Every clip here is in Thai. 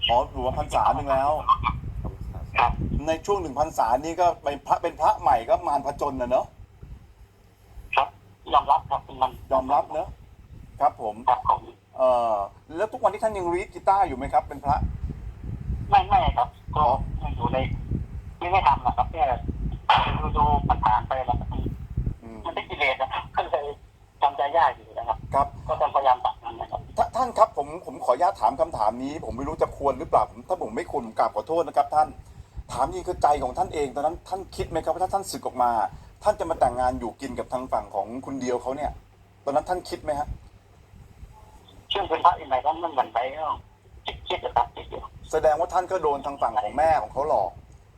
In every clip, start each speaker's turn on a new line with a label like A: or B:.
A: อ๋ออยู่มาพรรษาหนึ่งแล้ว
B: ครับ
A: ในช่วง1 พรรษานี้ก็เป็นพระใหม่ก็มารผจญนะเนอะ
B: ครับยอมรับครับมัน
A: ยอมรับเนอะครับผม
B: ครับผม
A: เอ่อแล้วทุกวันนี้ท่านยังรีดกีตาร์อยู่ไหมครับเป็นพระ
B: ไม่ครับก็
A: อ๋อ
B: ยังอยู่ในไม่ทำนะครับแค่ดูผ่านๆไปแล้ว
A: อืม
B: มันเป็นกิเลสนะครับก็เลยทำใจยากอยู่นะครับ
A: ครับ
B: ก็ต้องพยายามตัดมันนะครับ
A: ท่านครับผมขออนุญาตถามคำถามนี้ผมไม่รู้จะควรหรือเปล่าถ้าผมไม่ควรผมกราบขอโทษนะครับท่านถามจริงคือใจของท่านเองตอนนั้นท่านคิดไหมครับว่าถ้าท่านสึกออกมาท่านจะมาแต่งงานอยู่กินกับทางฝั่งของคุณเดียวเขาเนี่ยตอนนั้นท่านคิดไหมฮะ
B: ชื่อเป็นพระอินทร์นั้นมันเหมือนไปก็คิดนะครับคิดอยู่
A: แสดงว่าท่านก็โดนทางฝั่งของแม่ของเขาหลอก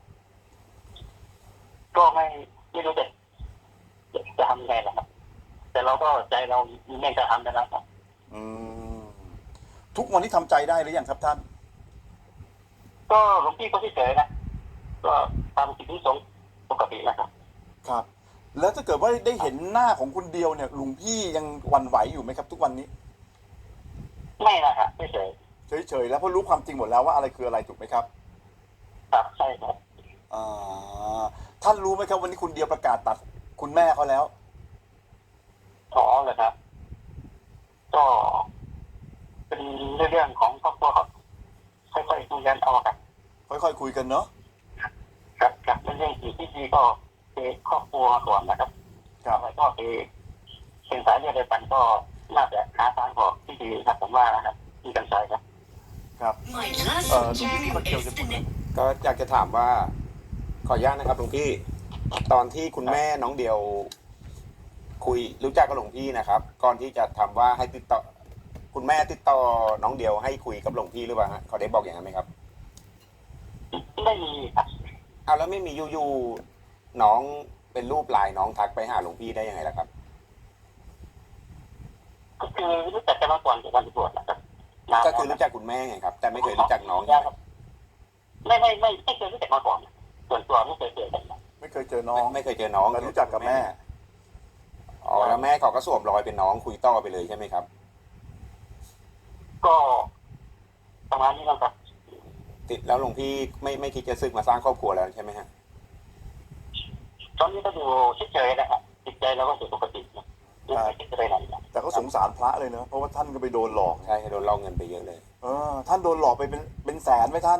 B: ก็ไม่รู้จะทำยังไงนะครับแต่เราก็ใจเราไม่กระทำนะครับ
A: อืมทุกวันนี้ทำใจได้หรือยังครับท่าน
B: ก็หลวงพี่ก็เฉยๆนะก็ตามกิจที่สงฆ์ปกตินะครับ
A: ครับแล้วถ้าเกิดว่าได้เห็นหน้าของคุณเดียวเนี่ยลุงพี่ยังหวั่นไหวอยู่ไหมครับทุกวันนี้
B: ไม่นะครับเฉย
A: เฉยๆแล้วเพราะรู้ความจริงหมดแล้วว่าอะไรคืออะไรถูกไหมครับ
B: ๆครับใช่ครับ
A: อ่าท่านรู้ไหมครับวันนี้คุณเดียวประกาศตัดคุณแม่เขาแล้ว
B: ขอเลยครับก็เป็นเรื่องของครอบครัวครับค่อยๆคุยกันเอาครับ
A: ค่อยๆคุยกันเนาะ
B: ครับเรื่องที่ดีก็คือครอบครัวก่อนนะครับ
A: ครับ
B: อะไรก็คือเป็นสายเลือดเดียวกันก็น่าจะหาทางออกที่ดีครับผมว่านะครับที่กันใจครับ
A: ครับหลวงพี่มาเกี่ยวจะพูดเลย
C: ก็อยากจะถามว่าขออนุญาตนะครับหลวงพี่ตอนที่คุณแม่น้องเดียวคุยรู้จักกับหลวงพี่นะครับก่อนที่จะทำว่าให้ติดต่อคุณแม่ติดต่อน้องเดียวให้คุยกับหลวงพี่หรือเปล่าฮะเขาได้บอกอย่างนั้นไหมครับ
B: ไม่มีครับ
C: เอาแล้วไม่มีอยู่ๆน้องเป็นรูปไลน์น้องทักไปหาหลวงพี่ได้ยังไงล่ะครับ
B: ก็คือรู้จักกันมาก่อนจากการบวชนะครับนาน
C: ก็
B: แล้ว
C: คือรู้จักคุณแม่ไงครับแต่ไม่เคยรู้จักน้องใช่ไหม
B: ไม่เคยรู้จักมาก่อนส่วนตัวไม่เคยเจอกัน
A: ไม่เคยเจอน้อง
C: ไม่เคยเจอน้อง
A: แต่รู้จักกับแม่
C: อ๋อแล้วแม่เขาก็สวมรอยเป็นน้องคุยต่อไปเลยใช่ไหมครับ
B: ก็ประมาณนี้นะครับ
C: ติดแล้วหลวงพี่ไม่คิดจะซึกมาสร้างครอบครัวแล้วใช่ไหมฮะ
B: ตอนนี้ก็ดูเฉยๆนะครับจิตใจเราก็สุปกตินะไม่คิดจะไปไหนนะ
A: แต่ก็สงสารพระเลยเนอะเพราะว่าท่านก็ไปโดนหลอก
C: ใช่โดนลอกเงินไปเยอะเลย
A: ท่านโดนหลอกไปเป็นแสนไหมท่าน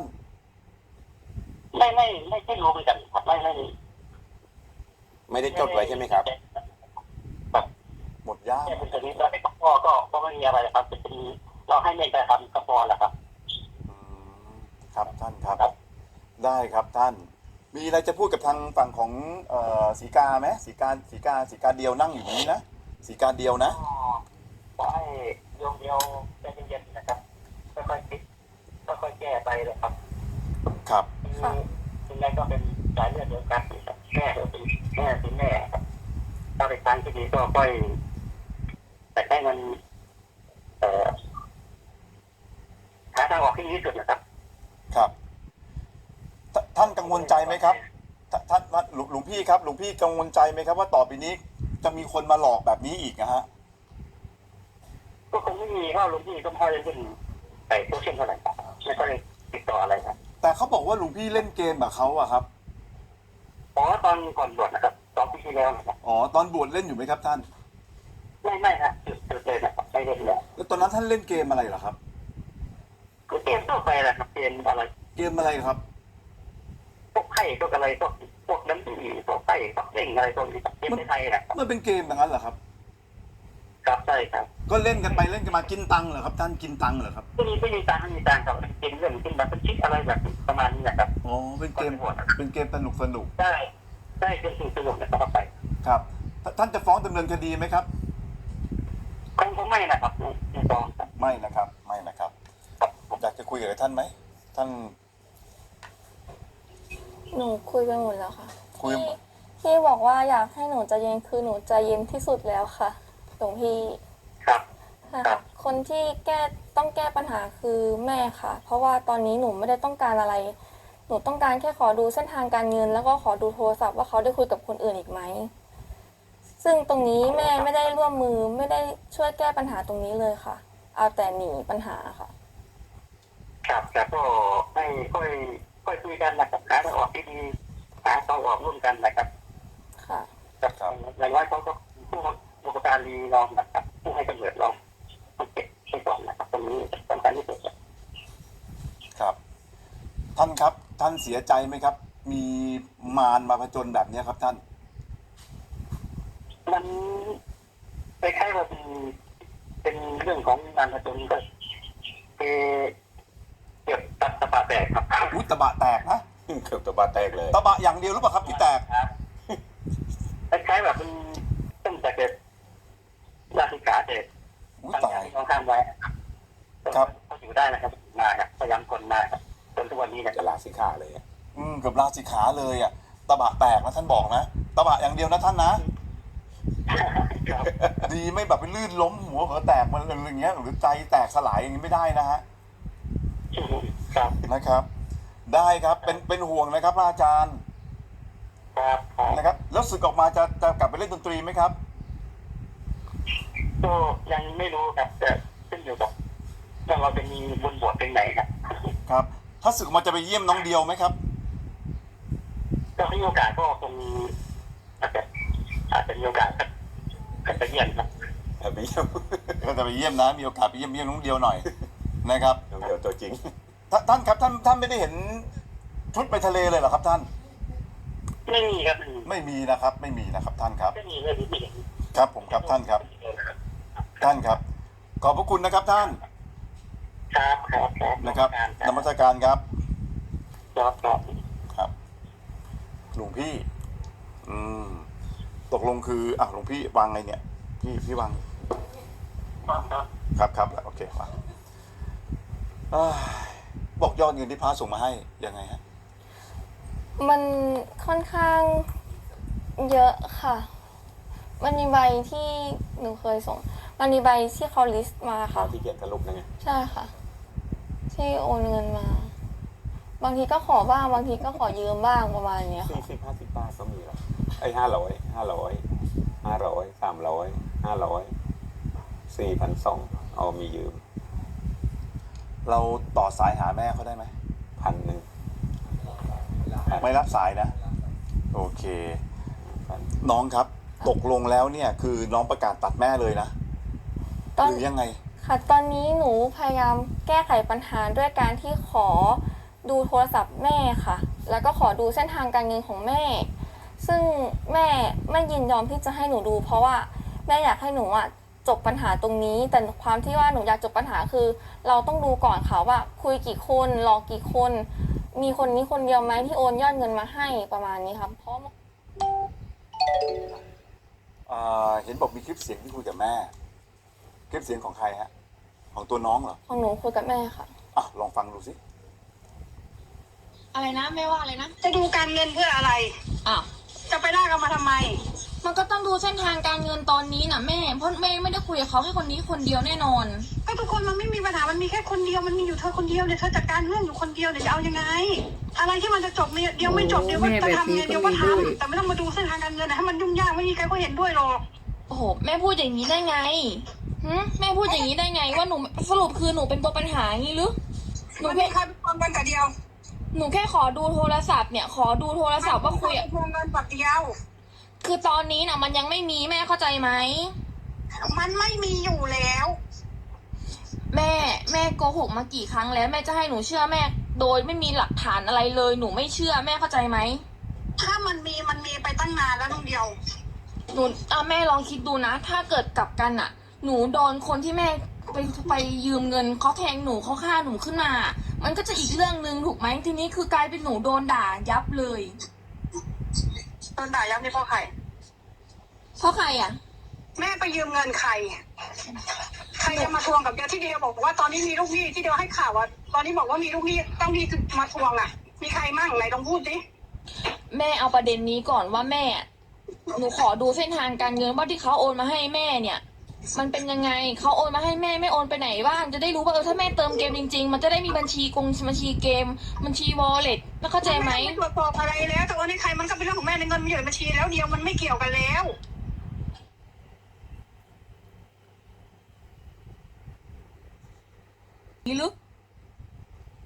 B: ไม่รู้เหมือนกันครับ
C: ไม่ได้จดไว้ใช่ไหมครับ
B: แบบ
A: หมดย่าม
B: แค่เป็นตัวนี้เราไปก็ไม่มีอะไรครับเป็นเราให้เมตตาทำก็พอแล้วครับ
A: อืมครับท่านครับ
B: ครับ
A: ได้ครับท่านมีอะไรจะพูดกับทางฝั่งของสีกาไหมสีกาเดียวนั่งอยู่นี้นะสีกาเดียวนะ
B: ก็ให้โยมเดียวใจเย็นๆนะครับค่อยๆคิดค่อยๆแก้ไปเลยครับ
A: ครับ
B: คุณแม่ก็เป็นสายเลือดเดียวกันแม่ก็เป็นแม่ครับถ้าเป็นทางที่ดีก็ค่อยแต่ให้มันหาทางออกที่ดีที่สุดนะครับ
A: ครับท่านกังวลใจไหมครับท่านหลวงพี่ครับหลวงพี่กังวลใจไหมครับว่าต่อไปนี้จะมีคนมาหลอกแบบนี้อีกนะฮะ
B: ก็คงไม่มีเพราะหลวงพี่ก็ไม่ค่อยเล่นใส่โซเชียลเท่าไหร่ไม่ค่อยติดต่ออะไรครับ
A: แต่เขาบอกว่าหลวงพี่เล่นเกมกับเขาอะครับ
B: อ๋อตอนก่อนบวชนะครับ2 ปีที่แล้วนะครับ
A: อ๋อตอนบวชเล่นอยู่ไหมครับท่าน
B: ไม่ฮะจุดเลยนะครับไม่เล่นแล้ว
A: แล้วตอนนั้นท่านเล่นเกมอะไรเหรอครับ
B: ก็เกมทั่วไปแหละครับเกมอะไร
A: เกมอะไรครับ
B: พวกไพ่พวกอะไรพวกน้ำตีพวกไพ่พวกเล่งอะไรพวกนี้เกมในไทยนะครับ
A: มันเป็นเกมอย่างนั้นเหรอครับ
B: ครับใช่ครับ
A: ก็เล่นกันไปเล่นกันมากินตังค์เหรอครับท่านกินตังค์เหรอครับ
B: ไม่มีตังค์ครับเกมเรื่องขึ้นมาเป็นชิปอะไรแบบประมาณนี้นะครับ
A: อ๋อเป็นเกมสนุก
B: ได้เป็นสิ่งสนุกนะครับไป
A: ครับท่านจะฟ้องดำเนินคดีไหมครับ
B: คงไม่นะครับไม่ฟ้องครับ
A: ไม่นะครับไม่นะครับอยากจะคุยกับท่านไหมท่าน
D: หนูคุยไปหมดแล้วค่ะ
A: คุย
D: พี่บอกว่าอยากให้หนูใจเย็นคือหนูใจเย็นที่สุดแล้วค่ะหลวงพี่
B: ครับ
D: ค่ะคนที่ต้องแก้ปัญหาคือแม่ค่ะ เพราะว่าตอนนี้หนูไม่ได้ต้องการอะไร หนูต้องการแค่ขอดูเส้นทางการเงินแล้วก็ขอดูโทรศัพท์ว่าเขาได้คุยกับคนอื่นอีกไหมซึ่งตรงนี้แม่ไม่ได้ร่วมมือไม่ได้ช่วยแก้ปัญหาตรงนี้เลยค่ะเอาแต่หนีปัญหาค่ะ
B: ครับแต่ก็ไม่ค่อยคุยกันนะครับหาทางออกที่ดีหาทางออกร่วมกันนะครับ
D: ค่ะ
B: กับอย่างน้อยเขาก็ผู้บุปการีลองนะครับผู้ให้กำเนิดลองต้องเก็บไปก่อนนะครับตรงนี้สำคัญที่สุด
A: ครับ ท่านครับ ท่านเสียใจไหมครับ มีมารมาผจญแบบเนี้ยครับท่าน
B: มันคล้ายๆว่าเป็นเรื่องของงานผจญก็เก็บตัดตะปาแตกครับ
A: อุ้ยตะบะแตกนะ
C: เกือบตัวบาแตกเลย
A: ตะบะอย่างเดียวหรือเปล่าครับที่แตก
B: ครับคล้ายๆแบบมันตั้งแต่เด็กราชิกาเด็ก
A: อุ้ย
B: ตั้ง
A: ตา
B: ใจ
A: ย
B: ต้องข้ามไว้
A: ครับ
B: เขาอยู่ได้นะครับมาครับพยายามทนมาครับจนทุกวันนี้นะค
C: จะ
B: รับ
C: ลาสิขาเลยอะ
A: เกือบราศีขาเลยอ่ะตะบะแตกนะท่านบอกนะตะบะอย่างเดียวนะท่านนะ
B: ครับ
A: ดีไม่แบบไปลื่นล้มหัวเผลอแตกมันอะไรอย่างเงี้ยหรือใจแตกสลายอย่างนี้ไม่ได้นะฮะ
B: ครับ
A: นะครับ ได้ครับเป็นห่วงนะครับพระอาจารย์
B: ครับครับ
A: นะครับแล้วศึกออกมาจะกลับไปเล่นดนตรีไหมครับ
B: ก็ยังไม่รู้ครับแต่ขึ้นอยู่กับว่าเราจะมีบุญบวชเป็นไหนครับ
A: ครับ ถ้าศึกออกมาจะไปเยี่ยมน้องเดียวไหมครับ
B: ก็มีโอกาสก็คงอาจจะมีโอกาสก็จะเยี่ยมครับ
C: ไม่เยี่ยม
A: ก็จะไปเยี่ยมนะมีโอกาสไปเยี่ยมน้องเดียวหน่อยนะครับ
C: น้องเดียวตัวจริง
A: ท่านครับท่านไม่ได้เห็นชุดไปทะเลเลยเหรอครับท่าน
B: ไม่มีครับ
A: ไม่มีนะครับ ไม่มีนะครับท่านครับ
B: ไม่มีเลยไม่มี
A: ครับผมครับท่านครับ ท่านครับ ขอบพระคุณนะครับท่าน
B: ครับครับครับ
A: นะครับนมัสการครับ
B: ครับครับ
A: ครับหลวงพี่ ตกลงคือหลวงพี่วางไงเนี่ย พี่วาง ครับโอเควางเอ้ยบอกยอดเงินที่พระส่งมาให้ยังไงฮะ
D: มันค่อนข้างเยอะค่ะ มันมีใบที่หนูเคยส่ง มันมีใบที่เขาลิสต์มาค่ะ
C: ที่เขียนสรุปนะไง
D: ใช่ค่ะ ที่โอนเงินมา บางทีก็ขอบ้าง บางทีก็ขอยืมบ้างประมาณเนี้ยค่ะ
C: 40-50 บาทก็มีหรอ500 300 500 4,200เอามียืม
A: เราต่อสายหาแม่เขาได้ไหม
C: 1,000
A: ไม่รับสายนะ โอเค
C: 1,000
A: น้องครับ ตกลงแล้วเนี่ย คือน้องประกาศตัดแม่เลยนะ
D: ตอน
A: หรือยังไง
D: ค่ะ ตอนนี้หนูพยายามแก้ไขปัญหาด้วยการที่ขอดูโทรศัพท์แม่ค่ะ แล้วก็ขอดูเส้นทางการเงินของแม่ ซึ่งแม่ไม่ยินยอมที่จะให้หนูดู เพราะว่าแม่อยากให้หนูจบปัญหาตรงนี้ แต่ความที่ว่าหนูอยากจบปัญหาคือ เราต้องดูก่อนค่ะว่าคุยกี่คนหลอกกี่คน มีคนนี้คนเดียวไหมที่โอนยอดเงินมาให้ประมาณนี้ครับ เพราะ
A: เห็นบอกมีคลิปเสียงที่คุยกับแม่ คลิปเสียงของใครฮะ ของตัวน้องเหรอ
D: ของหนูคุยกับแม่ค่ะ
A: ลองฟังดูสิ
E: อะไรนะไม่ว่าอะไรนะ
F: จะดูการเงินเพื่ออะไร
E: อ้าว
F: จะไปลากเอามาทำไม
E: มันก็ต้องดูเส้นทางการเงินตอนนี้นะแม่เพราะแม่ไม่ได้คุยกับเขาแค่คนนี้คนเดียวแน่นอน
F: ก็ทุกคนมันไม่มีปัญหา มันมีแค่คนเดียว มันมีอยู่เธอคนเดียวเนี่ย เธอจัดการเรื่องอยู่คนเดียวเนี่ยจะเอายังไง อะไรที่มันจะจบเนี่ยเดี๋ยวไม่จบเดี๋ยวก็จะทำไงเดี๋ยวก็ทำแต่ไม่ต้องมาดูเส้นทางการเงินนะให้มันยุ่งยากไม่มีใครก็เห็นด้วยหรอก
E: โอ้โหแม่พูดอย่างนี้ได้ไงแม่พูดอย่างนี้ได้ไง ว่าหนูสรุปคือหนูเป็นตัวปัญหาอย่างนี้หรือหนู
F: มัน
E: แค่
F: มีใครเป็นคนกันแต่เดียว
E: หนูแค่ขอดูโทรศัพท์เนี่ยขอดูโทรศัพท์ว่าคุย
F: ทวงเงินแบบเดียว
E: คือตอนนี้น่ะมันยังไม่มีแม่เข้าใจไหม
F: มันไม่มีอยู่แล้ว
E: แม่โกหกมากี่ครั้งแล้วแม่จะให้หนูเชื่อแม่ โดยไม่มีหลักฐานอะไรเลยหนูไม่เชื่อแม่เข้าใจไหม
F: ถ้ามันมีไปตั้งนานแล้วน้องเดียว
E: หนูแม่ลองคิดดูนะ ถ้าเกิดกลับกันอ่ะ หนูโดนคนที่แม่ไปยืมเงินเขาแทงหนูเขาฆ่าหนูขึ้นมา มันก็จะอีกเรื่องหนึ่งถูกไหมทีนี้คือกลายเป็นหนูโดนด่ายับเลย
F: โดนด่ายับนี่เพราะใคร
E: เพราะใครอ่ะ
F: แม่ไปยืมเงินใคร ใครจะมาทวงกับเดียวที่เดียวบอกว่าตอนนี้มีลูกหนี้ที่เดียวให้ข่าวว่าตอนนี้บอกว่ามีลูกหนี้ต้องมีมาทวงอ่ะ มีใครมั่งไหนลองพูดดิ
E: แม่เอาประเด็นนี้ก่อนว่าแม่ หนูขอดูเส้นทางการเงินว่าที่เขาโอนมาให้แม่เนี่ย มันเป็นยังไงเขาโอนมาให้แม่ไม่โอนไปไหนบ้างจะได้รู้ว่าถ้าแม่เติมเกมจริงๆมันจะได้มีบัญชีบัญชีเกมบัญชีวอลเล็ตแล้วเข้าใจไหม
F: แไม่ตรวจสอบอะไรแล้วแต่ว่าในใครมันก็เป็นเรื่องของแม่ในเงินมันอยู่ในบัญชีแล้วเดียวมันไม่เกี่ยวกันแล้ว
E: หรือ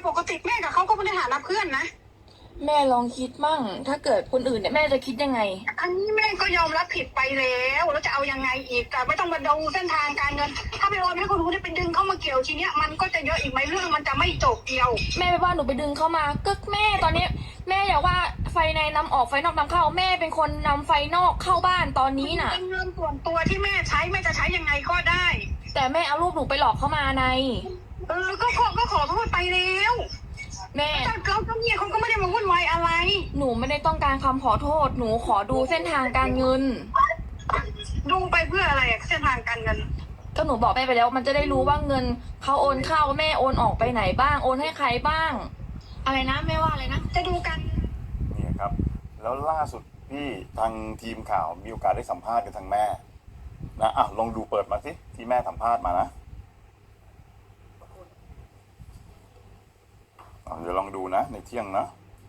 F: ปกติแม่กับเขาก็ไม่ได้หารับเพื่อนนะ
E: แม่ลองคิดมั่ง ถ้าเกิดคนอื่นเนี่ยแม่จะคิดยังไง
F: อันนี้แม่ก็ยอมรับผิดไปแล้วจะเอายังไงอีกแต่ไม่ต้องมาดูเส้นทางการเงิน ถ้าไปโอนให้คนรู้ได้ไปดึงเข้ามาเกี่ยวทีเนี้ยมันก็จะเยอะอีกไหมเรื่องมันจะไม่จบเดียว
E: แม่ไปว่าหนูไปดึงเข้ามาก็แม่ตอนนี้ แม่อย่าว่าไฟในนำออกไฟนอกนำเข้า แม่เป็นคนนำไฟนอกเข้าบ้านตอนนี้น่ะ
F: เป็นเงินส่วนตัวที่แม่ใช้แม่จะใช้ยังไงก็ได้
E: แต่แม่เอารูปหนูไปหลอกเข้ามาใน
F: ก็ขอโทษไปแล้ว
E: แม่
F: แต่เราเจ้าเนี่ยเขาก็ไม่ได้มาวุ่นวายอะไร
E: หนูไม่ได้ต้องการคำขอโทษ หนูขอดูเส้นทางการเงิน
F: ดูไปเพื่ออะไรเส้นทางการเงิน
E: ก็หนูบอกแม่ไปแล้ว มันจะได้รู้ว่าเงินเขาโอนเข้าแม่โอนออกไปไหนบ้าง โอนให้ใครบ้าง อะไรนะแม่ว่าอะไรนะ
F: จะดูกัน
A: เนี่ยครับ แล้วล่าสุดพี่ทางทีมข่าวมีโอกาสได้สัมภาษณ์กับทางแม่นะอ่ะลองดูเปิดมาสิที่แม่สัมภาษณ์มานะเดี๋ยวลองดูนะในเที่ยงนะ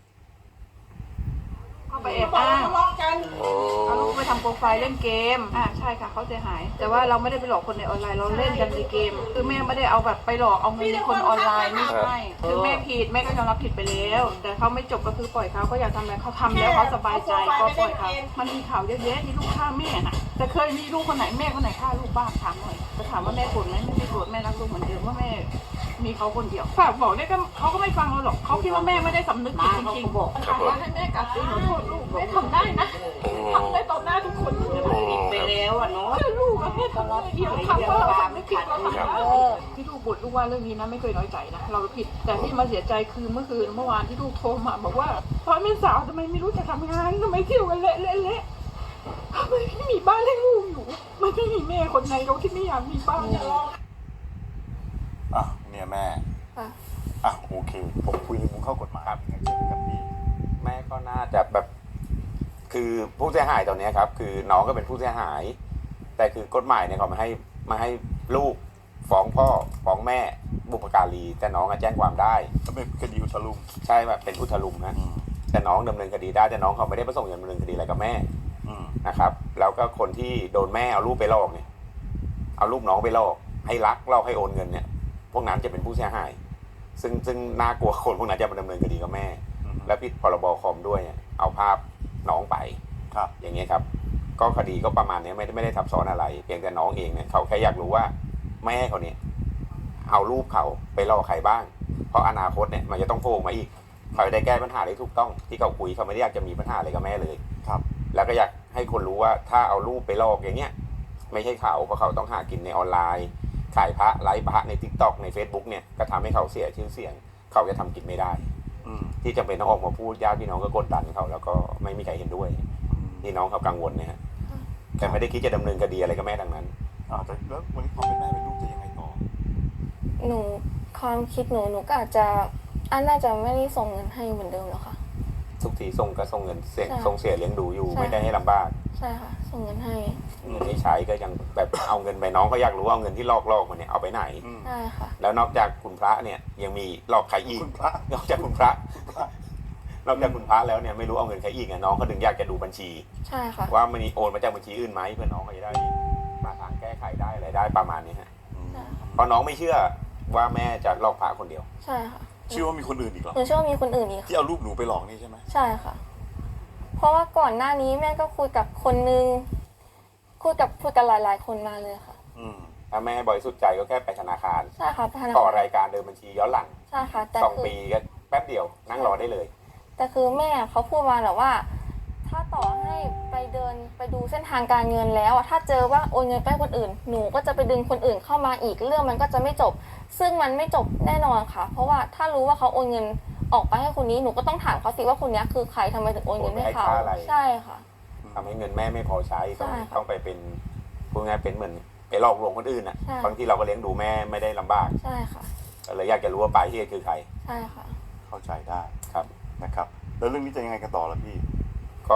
G: เข้าไปแอบอ้างเอาลูกไปทำโปรไฟล์เล่นเกมใช่ค่ะเขาเสียหาย แต่ว่าเราไม่ได้ไปหลอกคนในออนไลน์เราเล่นกันในเกม คือแม่ไม่ได้เอาแบบไปหลอกเอาเงินในคนออนไลน์ไม่ใช่คือแม่ผิดแม่ก็ยอมรับผิดไปแล้ว แต่เขาไม่จบก็คือปล่อยเขาอยากทำอะไรเขาทำแล้วเขาสบายใจก็ปล่อยเขามันมีข่าวเยอะแยะที่ลูกฆ่าแม่นะแต่เคยมีลูกคนไหนแม่คนไหนฆ่าลูกบ้างถามหน่อยจะถามว่าแม่โกรธไหมไม่โกรธแม่รักลูกเหมือนเดิมว่าแม่มีเขาคนเดียวฝากบอกเนี่ยก็เขาก็ไม่ฟังเราหรอกเขาคิดว่าแม่ไม่ได้สำนึกผิดจริงๆบอกว่าให้แม่กลับไปขอโทษลูกแม่ทำได้นะทำได้ต่อหน้าทุกคนผิดไปแล้วอ่ะเนาะลูกแม่ทำได้เดียวทำก็เราสำนึกผิดเราทำได้ที่ลูกบ่นลูกว่าเรื่องนี้นะไม่เคยน้อยใจนะเราผิดแต่ที่มาเสียใจคือเมื่อคืนเมื่อวานที่ลูกโทรมาบอกว่าตอนเป็นสาวทำไมไม่รู้จะทำงานทำไมเที่ยวกันเละทำไมไม่มีบ้านให้ลูกอยู่มันไม่มีแม่คนไหนเราที่ไม่อยากมีบ้าน
A: อ่ะเนี่ยแม่
D: ค่ะ
A: อ่ะโอเคผมคุยในมุมเข้ากฎหมายครับอย่างเช่นกับพี่
C: แม่ก็น่าจะแบบ คือผู้เสียหายตอนนี้ครับ คือน้องก็เป็นผู้เสียหาย แต่คือกฎหมายเนี่ยเขามาให้ลูกฟ้องพ่อฟ้องแม่บุพการีแต่น้องแจ้งความได้
A: ก็เป็นคดีอุทลุม
C: ใช่แบบเป็นอุทลุมนะแต่น้องดำเนินคดีได้แต่น้องเขาไม่ได้ประสงค์จะดำเนินคดีอะไรกับแม่นะครับ แล้วก็คนที่โดนแม่เอารูปไปหลอกเนี่ยเอารูปน้องไปหลอกให้รักหลอกให้โอนเงินเนี่ยพวกนั้นจะเป็นผู้เสียหาย ซึ่งน่ากลัวคนพวกนั้นจะมาดำเนินคดีกับแม่ และผิดพรบคอมด้วยเอาภาพน้องไป
A: ครับ
C: อย่างเงี้ยครับ ก็คดีก็ประมาณนี้ไม่ได้ทับซ้อนอะไร เพียงแต่น้องเองเนี่ยเขาแค่อยากรู้ว่าแม่เขาเนี่ยเอารูปเขาไปล่อใครบ้าง เพราะอนาคตเนี่ยมันจะต้องโผล่มาอีกเขาจะได้แก้ปัญหาได้ถูกต้องที่เขาคุยเขาไม่ได้อยากจะมีปัญหาอะไรกับแม่เลย
A: ครับ
C: แล้วก็อยากให้คนรู้ว่าถ้าเอารูปไปลอกอย่างเงี้ยไม่ใช่เขาเพราะเขาต้องหากินในออนไลน์ขายพระไลฟ์พระใน TikTok ใน Facebook เนี่ยก็ทำให้เขาเสียชื่อเสียงเขาจะทำกินไม่ได้ที่จำเป็นต้องออกมาพูดญาติพี่น้องก็กดดันเขาแล้วก็ไม่มีใครเห็นด้วยพี่น้องเขากังวลนะฮะแต่ไม่ได้คิดจะดำเนินคดีอะไรกับแม่ดังนั้น
A: แต่แล้ววันนี้ความเป็นแม่เป็นลูกจะยังไงต่อ
D: หนูความคิดหนูก็อาจจะน่าจะไม่ได้ส่งเงินให้เหมือนเดิมแล้วค่ะ
C: ทุกทีส่งก็ส่งเงินเสีย
D: ใช่
C: ส่งเสียเลี้ยงดูอยู่
D: ใช่
C: ไม่ได้ให้ลำบาก
D: ใช่ค่ะ ส่งเงินให้
C: เงินที่ใช้ก็ยังแบบเอาเงินไปน้องก็อยากรู้ว่าเอาเงินที่ลอกมาเนี่ยเอาไปไหน
D: ใช่ค่ะ
C: แล้วนอกจากคุณพระเนี่ยยังมีหลอกใครอีก
A: คุณพระ
C: นอกจากคุณพระนอกจากคุณพระแล้วเนี่ยไม่รู้เอาเงินใครอีกน้องเขาถึงอยากจะดูบัญชี
D: ใช่ค่ะ
C: ว่ามันมีโอนมาจากบัญชีอื่นไหมเพื่อน้องเขาจะได้มาทางแก้ไขได้อะไรได้ประมาณนี้ฮะ
D: ใช่ค่ะ
C: เพราะน้องไม่เชื่อว่าแม่จะลอกพระคนเดียว
D: ใช่ค่ะ
A: เชื่อว่ามีคนอื่นอีกเหรอ
D: หนูเชื่อว่ามีคนอื่นอีก
A: ที่เอารูปหนูไปหลอกนี่ใช่ไหม
D: ใช่ค่ะ เพราะว่าก่อนหน้านี้แม่ก็คุยกับคนนึงคุยกับหลายๆคนมาเลยค่ะ
C: ถ้าแม่บริสุทธิ์ใจก็แค่ไปธนาคาร
D: ใช่ค่ะธนา
C: ต่อ
D: คาร
C: รายการเดินบัญชีย้อนหลัง
D: ใช่ค่ะ แต่
C: 2
D: คือ
C: ปีก็แป๊บเดียวนั่งรอได้เลย
D: แต่คือแม่เขาพูดมาแบบว่า ถ้าต่อให้ไปเดินไปดูเส้นทางการเงินแล้วถ้าเจอว่าโอนเงินไปให้คนอื่นหนูก็จะไปดึงคนอื่นเข้ามาอีกเรื่องมันก็จะไม่จบ ซึ่งมันไม่จบแน่นอนค่ะ เพราะว่าถ้ารู้ว่าเขาโอนเงินออกไปให้คนนี้หนูก็ต้องถามเขาสิว่าคนนี้คือใครทำไมถึงโอนเงินให้เขา
C: โอนไปให้ค่าอะไร
D: ใช่ค่ะ
C: ทำให้เงินแม่ไม่พอใช้
D: ใช่ค่ะ
C: ต้องไปเป็นพูดง่ายเป็นเหมือนไปหลอกลวงคนอื่นอ่ะ
D: ใช่
C: บางทีเราก็เลี้ยงดูแม่ไม่ได้ลำบาก
D: ใช่ค่ะ
C: ก็เลยอยากจะรู้ว่าปลายเหตุคือใคร
D: ใช่ค่ะ
A: เข้าใจได้
C: ครับ
A: นะครับ แล้วเรื่องนี้จะยังไงกันต่อล่ะพี่
C: ก็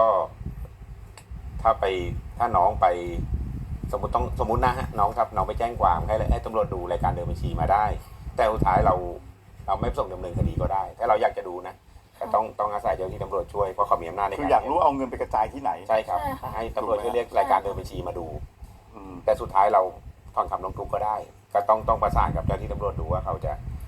C: ถ้าน้องไปสมมตินะฮะน้องไปแจ้งความให้ตำรวจดูรายการเดินบัญชีมาได้ แต่สุดท้ายเราไม่ส่งดำเนินคดีก็ได้ถ้าเราอยากจะดูนะแต่ต้องอาศัยเจ้าหน้าที่ตำรวจช่วยเพราะเขามีอำนาจใน
A: คื
C: กา
A: อ
C: ร
A: อยากรู้เอาเงินไปกระจายที่ไหน
C: ใช่ครับ
D: ใช่ค่ะ
C: ให้ตำรวจช่วยเรียกรายการเดินบัญชีมาดู
A: อืม
C: แต่สุดท้ายเราถอนคำร้องทุกข์ก็ได้ ก็ต้องประสานกับเจ้าหน้าที่ตำรวจดูว่าเขาจะ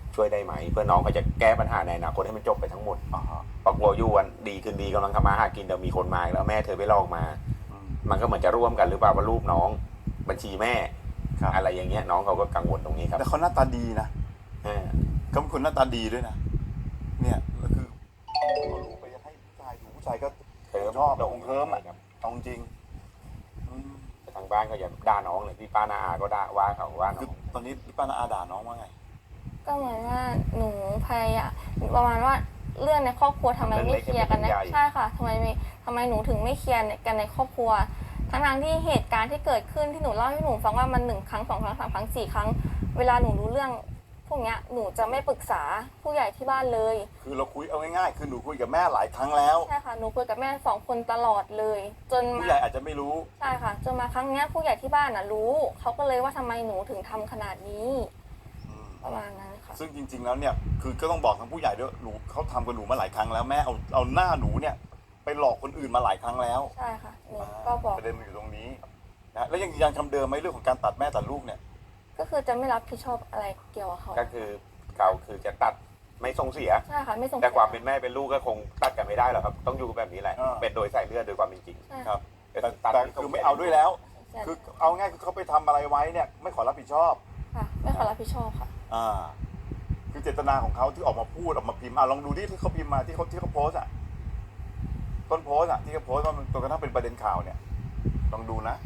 C: ช่วยได้ไหม เพื่อน้องเขาจะแก้ปัญหาในอนาคตให้มันจบไปทั้งหมด
A: อ่าฮะ
C: ปรากฏอยู่วันดีคืนดีกำลังทำมาหากินเดี๋ยวมีคนมาอีกแล้วแม่เธอไปลอกมา
A: อืม
C: มันก็เหมือนจะร่วมกันหรือเปล่าว่ารูปน้องบัญชีแม่
A: ครับ
C: อะไรอย่างเงี้ยน้องเขาก็กังวลตรงนี้ครับ
A: แต่เขาหน้าตาดีนะ
C: เออ
A: เขาเป็นคนหน้าตาดีด้วยนะเนี่ยแล้วคือเอาลูกไปให้ผู้ชายดูผู้ชายก็ชอบแต่องค์เคิร์มอ่ะ
C: ครับ
A: เอาจริงอืม
C: แต่ทางบ้านก็อย่าด่าน้องเลยพี่ป้านาอาก็ด่าว่าเขาว่าน้
A: คือ
C: อง
A: ตอนนี้พี่ป้านาอาด่าน้องว่าไง
D: ก็เหมือนว่าหนูพยายามประมาณว่าเรื่องในครอบครัวทำไมไม่เคลียร์กันนะใช่ค่ะทำไมหนูถึงไม่เคลียร์กันในครอบครัวทั้งที่เหตุการณ์ที่เกิดขึ้นที่หนูเล่าให้หนูฟังว่ามัน1 ครั้ง 2 ครั้ง 3 ครั้ง 4 ครั้งเวลาหนูรู้เรื่องพวกเนี้ยหนูจะไม่ปรึกษาผู้ใหญ่ที่บ้านเลย
A: คือเราคุยเอาง่ายๆคือหนูคุยกับแม่หลายครั้งแล้ว
D: ใช่ค่ะหนูคุยกับแม่2 คนตลอดเลย จน
A: ผู้
D: มา
A: ใหญ่อาจจะไม่รู้
D: ใช่ค่ะจนมาครั้งเนี้ยผู้ใหญ่ที่บ้านรู้เขาก็เลยว่าทำไมหนูถึงทำขนาดนี้
A: อืม
D: ประมาณนั้นค่ะ
A: ซึ่งจริง ๆ แล้วเนี่ยคือก็ต้องบอกทางผู้ใหญ่ด้วยหนูเขาทำกับหนูมาหลายครั้งแล้วแม่เอาหน้าหนูเนี่ยไปหลอกคนอื่นมาหลายครั้งแล้ว
D: ใช่ค่ะหนูก็บอก
A: ประเด็นมันอยู่ตรงนี้นะแล้วยังยืนยันคำเดิมไหมเรื่องของการตัดแม่ตัดลูกเนี่ย
D: ก็คือจะไม่รับผิดชอบอะไรเกี่ยวกับเขา
C: ก็คือเขาคือจะตัดไม่ส่งเสีย
D: ใช่ค่ะไม่ส่ง
C: แต่ความเป็นแม่เป็นลูกก็คงตัดกันไม่ได้หรอกครับ ต้องอยู่กันแบบนี้แหละ
A: อ่า
C: เป็นโดยสายเลือดโดยความเป็นจริง
D: ใช่
A: ครั
D: ค่ะ
A: บ
C: ก็
A: แต่
C: ตัด
A: แต่คือไม่เอาด้วยแล้ว
D: ใช่
A: คือเอาง่ายคือเขาไปทำอะไรไว้เนี่ยไม่ขอรับผิดชอบ
D: ค่ะไม่ขอรับผิดชอบค่ะ
A: อ่า คือเจตนาของเขาที่ออกมาพูดออกมาพิมพ์ลองดูที่เขาพิมพ์มาที่เขาโพสต์ต้นโพสต์ที่เขาโพสต์ว่ามันจนกระทั่งเป็นประเด็นข่าวเนี่ยลองดูนะ